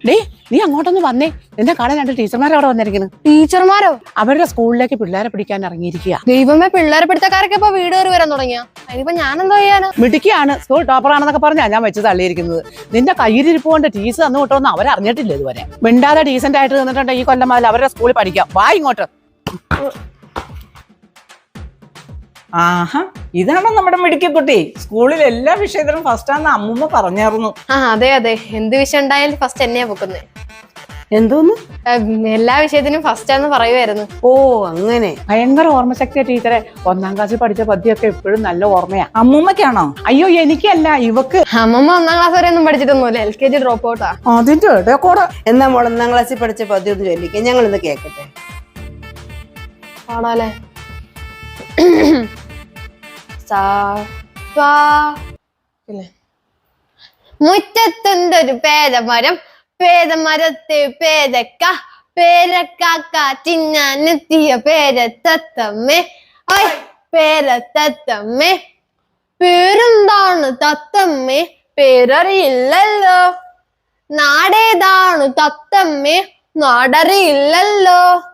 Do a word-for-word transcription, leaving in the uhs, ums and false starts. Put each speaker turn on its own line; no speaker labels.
Day നീ അങ്ങോട്ടൊന്ന് വന്നേ. നിന്നെ കാണാൻ രണ്ട് ടീച്ചർമാർ അവിടെ വന്നിരിക്കുന്നു.
ടീച്ചർമാരോ?
അവരുടെ സ്കൂളിലേക്ക് പിള്ളേരെ പിടിക്കാൻ ഇറങ്ങിയിരിക്കുക.
ദൈവമേ, പിള്ളേരെ പിടുത്തക്കാരൊക്കെ ഇപ്പൊ വീട് കയറി വരാൻ തുടങ്ങിയ. അതിനിപ്പോ ഞാൻ എന്തോ ചെയ്യാനാ?
മിടുക്കിയാണ്, സ്കൂൾ ടോപ്പറാണെന്നൊക്കെ പറഞ്ഞാ ഞാൻ വെച്ച് തള്ളിയിരിക്കുന്നത്. നിന്റെ കയ്യിലിരിപ്പ് കൊണ്ട് ടീച്ചർ തന്നു വിട്ടോന്ന് അവരറിഞ്ഞിട്ടില്ല ഇതുവരെ. മിണ്ടാതെ ഡീസന്റ് ആയിട്ട് നിന്നിട്ടുണ്ട് ഈ കൊല്ലം മുതൽ അവരുടെ സ്കൂളിൽ പഠിക്കാം. വാ ഇങ്ങോട്ട്.
ആഹാ, ഇതാണോ നമ്മുടെ മിടുക്കിക്കുട്ടി? സ്കൂളിൽ എല്ലാ വിഷയത്തിലും ഫസ്റ്റ് ആണെന്ന് അമ്മൂമ്മ പറഞ്ഞായിരുന്നു.
ആ അതെ അതെ, എന്ത് വിഷയം ഉണ്ടായാലും ഫസ്റ്റ് എന്നെയാ പൊക്കുന്നത്.
എന്തോന്ന്?
എല്ലാ വിഷയത്തിനും ഫസ്റ്റ് ആണെന്ന് പറയുമായിരുന്നു.
ഓ അങ്ങനെ.
ഭയങ്കര ഓർമ്മശക്തിയ ടീച്ചറെ. ഒന്നാം ക്ലാസ്സിൽ പഠിച്ച പദ്യമൊക്കെ എപ്പോഴും നല്ല ഓർമ്മയാ.
അമ്മൂമ്മക്കാണോ?
അയ്യോ എനിക്കല്ല, ഇവക്ക്.
അമ്മമ്മ ഒന്നാം ക്ലാസ് വരെ ഒന്നും പഠിച്ചിട്ടൊന്നുമില്ല, എൽ കെ ജി ഡ്രോപ്പ് ഔട്ടാ.
അതിന്റെ ഇടയക്കൂടെ.
എന്നാ മോൾ ഒന്നാം ക്ലാസ്സിൽ പഠിച്ച പദ്യം ഒന്ന് ചൊല്ലിക്കാം, ഞങ്ങൾ ഇന്ന് കേക്കട്ടെ.
പാടാലേ? മുറ്റത്തുണ്ടൊരു പേരമരം, പേരമരത്തെ പേരക്ക, പേരക്കാക്ക തിന്നാനെത്തിയ പേരത്തത്തമ്മേ. ഐ പേരത്തത്തമ്മേ, പേരെന്താണ് തത്തമ്മേ? പേരറിയില്ലല്ലോ. നാടേതാണ് തത്തമ്മേ? നാടറിയില്ലല്ലോ.